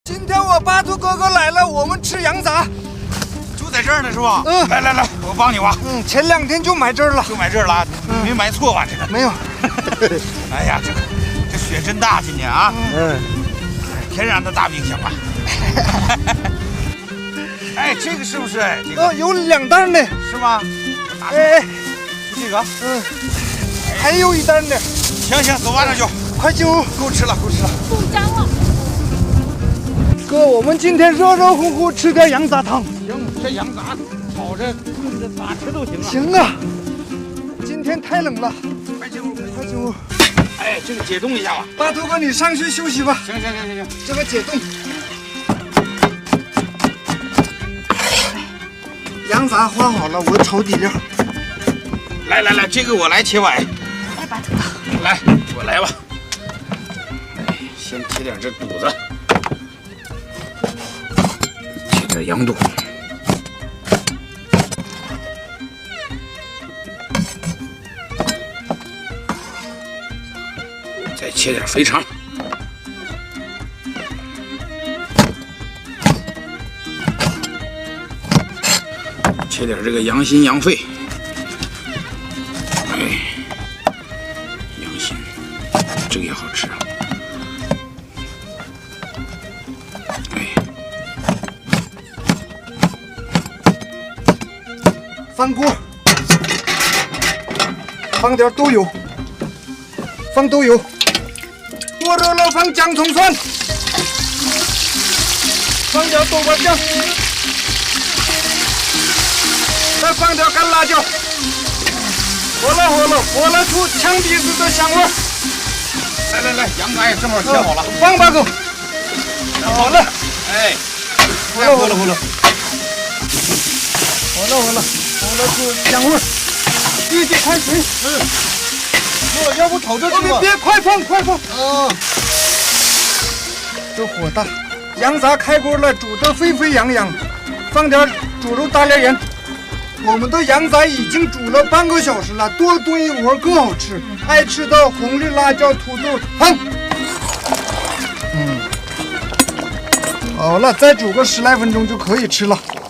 今天我巴图哥哥来了，我们吃羊杂， 就在这儿呢，是吧？ 嗯， 来，我帮你挖。 前2天就买这儿了， 就买这儿了，没买错吧？这个没有。 哎呀，这雪真大，今年啊，天然的大冰箱啊。哎，这个是不是？这个有2担的， 是吗？ 哎， 就这个， 还有1担的。 行，走吧，那就快进屋， 够吃了。 冻僵了。 哥，我们今天热热乎乎吃点羊杂汤。 行，这羊杂炒着、炖着咋吃都行啊。 行啊，今天太冷了， 快进屋。哎，这个解冻一下吧。 巴图哥，你上去休息吧。 行， 这个解冻。羊杂画好了，我炒底料。 来，这个我来切崴。 来，巴图哥。 来，我来吧。哎，先切点这肚子，切点羊肚，再切点肥肠，切点这个羊心羊肺。哎，羊心，这个也好吃啊。哎， 翻锅，放点豆油，放豆油，锅热了放姜葱蒜，放点豆瓣酱，再放点干辣椒，火了出呛鼻子的香味儿。 来，羊杂也正好切好了， 放吧哥，好了， 哎， 火了，火了出香味儿，预计开水。 要不炒这别快放。这火大，羊杂开锅了，煮得沸沸扬扬，放点猪肉大料盐。我们的羊杂已经煮了半个小时了，多炖一会儿更好吃。爱吃的红绿辣椒、土豆放。好了，再煮个10来分钟就可以吃了。